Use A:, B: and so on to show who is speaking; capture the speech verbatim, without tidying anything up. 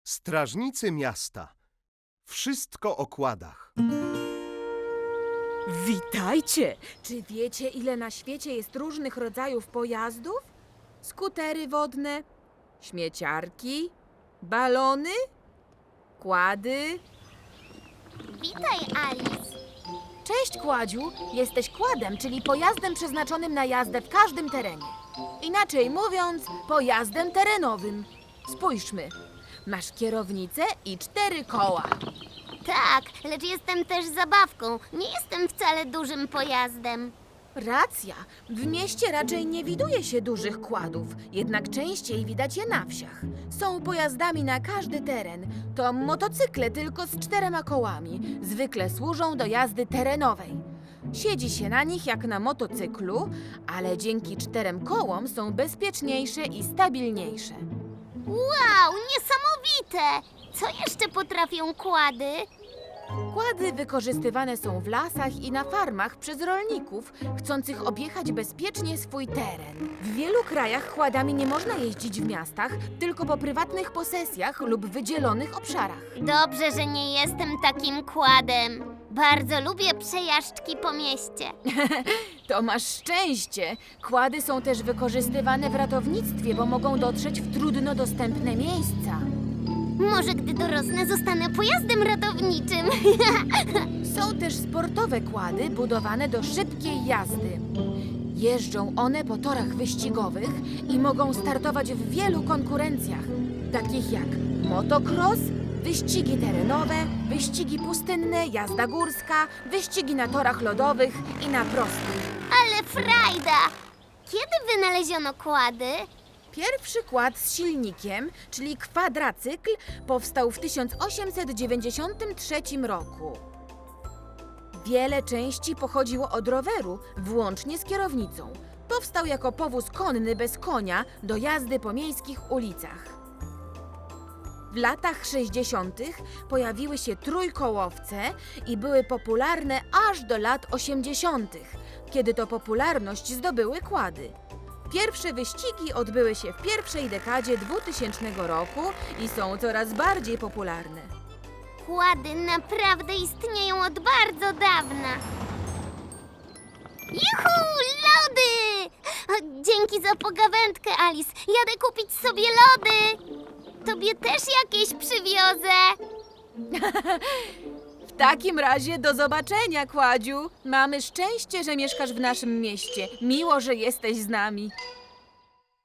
A: Strażnicy miasta. Wszystko o kładach.
B: Witajcie! Czy wiecie, ile na świecie jest różnych rodzajów pojazdów? Skutery wodne, śmieciarki, balony, kłady.
C: Witaj, Alice.
B: Cześć, Kładziu! Jesteś kładem, czyli pojazdem przeznaczonym na jazdę w każdym terenie. Inaczej mówiąc, pojazdem terenowym. Spójrzmy. Masz kierownicę i cztery koła.
C: Tak, lecz jestem też zabawką. Nie jestem wcale dużym pojazdem.
B: Racja. W mieście raczej nie widuje się dużych kładów, jednak częściej widać je na wsiach. Są pojazdami na każdy teren. To motocykle tylko z czterema kołami. Zwykle służą do jazdy terenowej. Siedzi się na nich jak na motocyklu, ale dzięki czterem kołom są bezpieczniejsze i stabilniejsze.
C: Wow, niesamowite! Co jeszcze potrafią kłady?
B: Kłady wykorzystywane są w lasach i na farmach przez rolników chcących objechać bezpiecznie swój teren. W wielu krajach kładami nie można jeździć w miastach, tylko po prywatnych posesjach lub wydzielonych obszarach.
C: Dobrze, że nie jestem takim kładem. Bardzo lubię przejażdżki po mieście.
B: To masz szczęście! Kłady są też wykorzystywane w ratownictwie, bo mogą dotrzeć w trudno dostępne miejsca.
C: Może gdy dorosnę, zostanę pojazdem ratowniczym.
B: Są też sportowe kłady budowane do szybkiej jazdy. Jeżdżą one po torach wyścigowych i mogą startować w wielu konkurencjach, takich jak motocross, wyścigi terenowe, wyścigi pustynne, jazda górska, wyścigi na torach lodowych i na prostych.
C: Ale frajda! Kiedy wynaleziono kłady?
B: Pierwszy kład z silnikiem, czyli kwadracykl, powstał w tysiąc osiemset dziewięćdziesiątym trzecim roku. Wiele części pochodziło od roweru, włącznie z kierownicą. Powstał jako powóz konny bez konia do jazdy po miejskich ulicach. W latach sześćdziesiątych pojawiły się trójkołowce i były popularne aż do lat osiemdziesiątych, kiedy to popularność zdobyły kłady. Pierwsze wyścigi odbyły się w pierwszej dekadzie dwutysięcznego roku i są coraz bardziej popularne.
C: Kłady naprawdę istnieją od bardzo dawna. Juhu, lody! O, dzięki za pogawędkę, Alice. Jadę kupić sobie lody. Tobie też jakieś przywiozę.
B: W takim razie do zobaczenia, Kładziu. Mamy szczęście, że mieszkasz w naszym mieście. Miło, że jesteś z nami.